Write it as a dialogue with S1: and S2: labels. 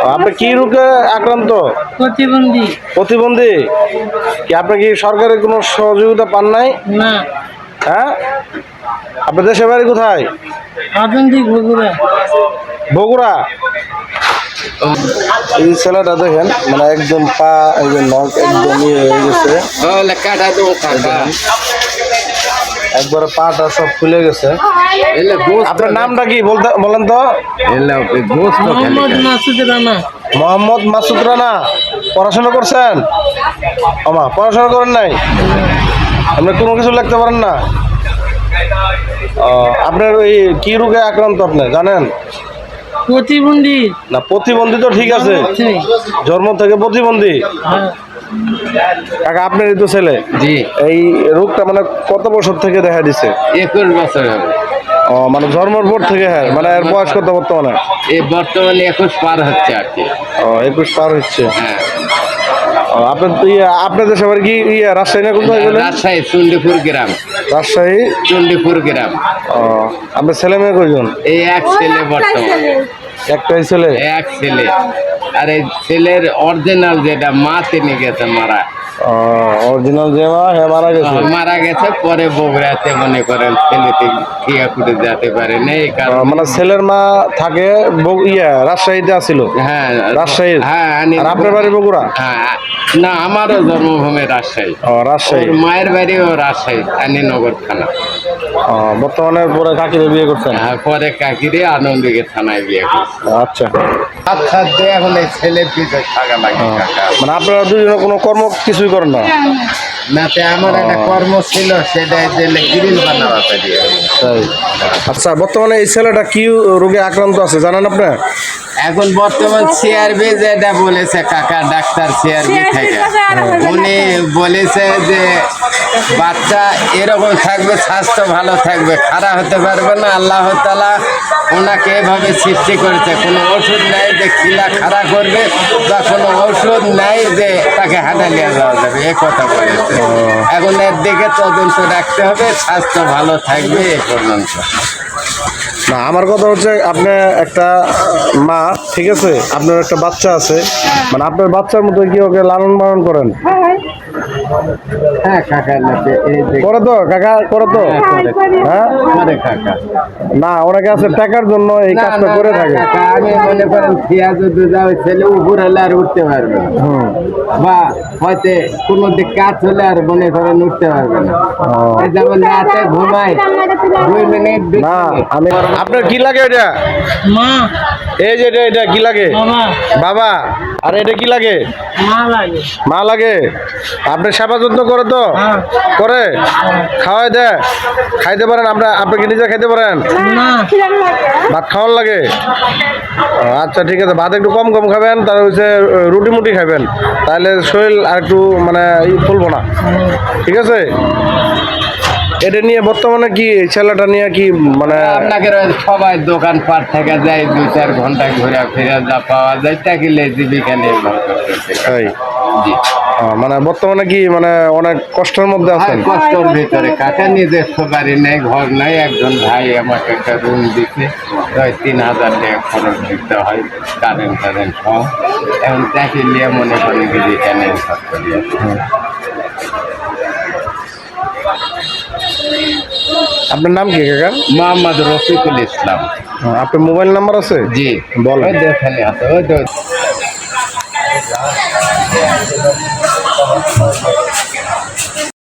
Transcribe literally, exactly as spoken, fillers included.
S1: আপনি কি রোগে আক্রান্ত?
S2: প্রতিবন্ধী।
S1: প্রতিবন্ধী কি আপনি কি সরকারের কোনো সহযোগিতা পান নাই?
S2: না।
S1: হ্যাঁ, আপনার দেশের বাড়ি কোথায়?
S2: আধুনিক বগুড়া।
S1: বগুড়া। এই ছেলেটা দেখেন মানে একদম পা একদম নখ একদম ইয়ে হয়ে গেছে, একবারে পাটা সব খুলে গেছে। আপনার নামটা কি বলতে বলেন তো?
S2: মোহাম্মদ মাসুদ রানা।
S1: মোহাম্মদ মাসুদ রানা। পড়াশোনা করছেন? আমা পড়াশোনা করেন নাই? আপনি কোনো কিছু লিখতে পারেন না? ও, আপনার ওই কি রোগে আক্রান্ত আপনি জানেন?
S2: প্রতিবন্ধী।
S1: না, প্রতিবন্ধী তো ঠিক আছে, জন্ম থেকে প্রতিবন্ধী। কাকা আপনারই তো ছেলে?
S3: জি।
S1: এই রোগটা মানে কত বছর থেকে দেখা দিছে?
S3: একুশ বছর হবে।
S1: ও, মানে জন্মের পর থেকে। হ্যাঁ, মানে এর বয়স কত বর্তমানে?
S3: এই বর্তমানে একুশ পার হচ্ছে আর কি।
S1: ও, একুশ পার হচ্ছে।
S3: হ্যাঁ।
S1: ও, আপনার ইয়ে আপনাদের সবার কি ইয়ে রাজশাহী না কোথায় গেলেন?
S3: রাজশাহী চণ্ডীপুর গ্রাম।
S1: রাজশাহী
S3: চণ্ডীপুর গ্রাম।
S1: ও, আপনার ছেলে মেয়ে কয়জন?
S3: এই এক ছেলে বর্তমানে।
S1: একটাই ছেলে?
S3: এক ছেলে। আর এই ছেলের অরিজিনাল যেটা মা তিনি গেছে মারা।
S1: অরিজিনাল যে মা হ্যাঁ মারা গেছে।
S3: মারা গেছে পরে বগুড়াতে মনে করেন ছেলেটি ঠিয়া ফুটে যেতে পারে না এই কারণে।
S1: মানে ছেলের মা থাকে ইয়া রাজশাহীতে আসিল?
S3: হ্যাঁ
S1: রাজশাহী।
S3: হ্যাঁ।
S1: আর আপনার বাড়ি বগুড়া?
S3: হ্যাঁ। না, আমারও জন্মভূমি রাজশাহী।
S1: ও, রাজশাহী।
S3: মায়ের বাড়িও রাজশাহী আনীনগর থানা।
S1: ও, বর্তমানে পরে কাকিরে বিয়ে করছেন?
S3: হ্যাঁ, পরে কাকিরে আনন্দকে থানায় বিয়ে করছে।
S1: আচ্ছা।
S3: আচ্ছা, এখন এই ছেলের পিছনে থাকা লাগে কাকা।
S1: মানে আপনারা দুজনে কোনো কর্ম কিছুই করেন না?
S3: নাতে আমার একটা কর্ম ছিল, সেটা দিলে গ্রিল বানাবা পারি।
S1: তাই। আচ্ছা, বর্তমানে এই ছেলেটা কি রোগে আক্রান্ত আছে জানেন আপনি?
S3: এখন বর্তমান সিআরবি যেটা বলেছে কাকা, ডাক্তার সিআরবি থেকে উনি বলেছে যে বাচ্চা এরকম থাকবে, স্বাস্থ্য ভালো থাকবে, খারাপ হতে পারবে না। আল্লাহ তাআলা ওনাকে এভাবে সৃষ্টি করেছে, কোনো ওষুধ নাই যে খিলা খারাপ করবে, বা কোনো ওষুধ নাই যে তাকে হাঁটা নিয়ে যাওয়া যাবে, এ কথা বলেছে। এখন এর দিকে তদন্ত রাখতে হবে, স্বাস্থ্য ভালো থাকবে এ পর্যন্ত।
S1: না, আমার কথা হচ্ছে আপনি একটা মা, ঠিক আছে, আপনার একটা বাচ্চা আছে, মানে আপনার বাচ্চার মতো কি ওকে লালন পালন করেন?
S3: হ্যাঁ কাকা,
S1: করে তো কাকা, করে তো। হ্যাঁ
S3: কাকা।
S1: না, অনেকে আছে টাকার জন্য এই কাজটা করে থাকে।
S3: আমি মনে করেন পেঁয়াজ যাও ছেলে উপর হলে আর উঠতে পারবে না, বা হয়তো কোনো দিক কাজ হলে আর মনে করেন উঠতে পারবে না। যেমন রাতে ঘুমায় দুই মিনিট।
S1: না, আমি আপনার কি লাগে এটা?
S2: মা।
S1: এই যে এটা এটা কি লাগে?
S2: বাবা।
S1: বাবা। আর এটা কি লাগে?
S2: মা লাগে।
S1: মা লাগে। আপনি সেবা যত্ন করে তো? করে। খাওয়াই দেয়? খাইতে পারেন? আমরা আপনি কি নিজে খাইতে পারেন?
S2: না।
S1: ভাত খাওয়ার লাগে? আচ্ছা, ঠিক আছে, ভাত একটু কম কম খাবেন, তার হচ্ছে রুটি মুটি খাবেন, তাহলে শরীর আর একটু মানে ফুলবো না, ঠিক আছে? এটা নিয়ে বর্তমানে কি ছেলেটা নিয়ে কি মানে
S3: আপনাকে সবাই দোকান পাট থেকে যায়, দুই চার ঘন্টা ঘুরে ফিরে যা পাওয়া যায় তাকে জীবিকা নির্ভর করতেছে। জি।
S1: মানে বর্তমানে কি মানে অনেক কষ্টের মধ্যে আছেন?
S3: কষ্টের ভিতরে কাকা, নিজস্ব বাড়ি নেই, ঘর নাই। একজন ভাই আমাকে একটা রুম দিতে প্রায় তিন হাজার টাকা খরচ দিতে হয়, কারেন্ট টারেন্ট সহ। এখন তাকে নিয়ে মনে করেন জীবিকা নির্ভর করি।
S1: আপনার নাম কি কাকা?
S3: মোহাম্মদ রফিকুল ইসলাম।
S1: আপনার মোবাইল নাম্বার আছে?
S3: জি,
S1: বলেন।
S3: ওই দেখেন আছে, ওই তো।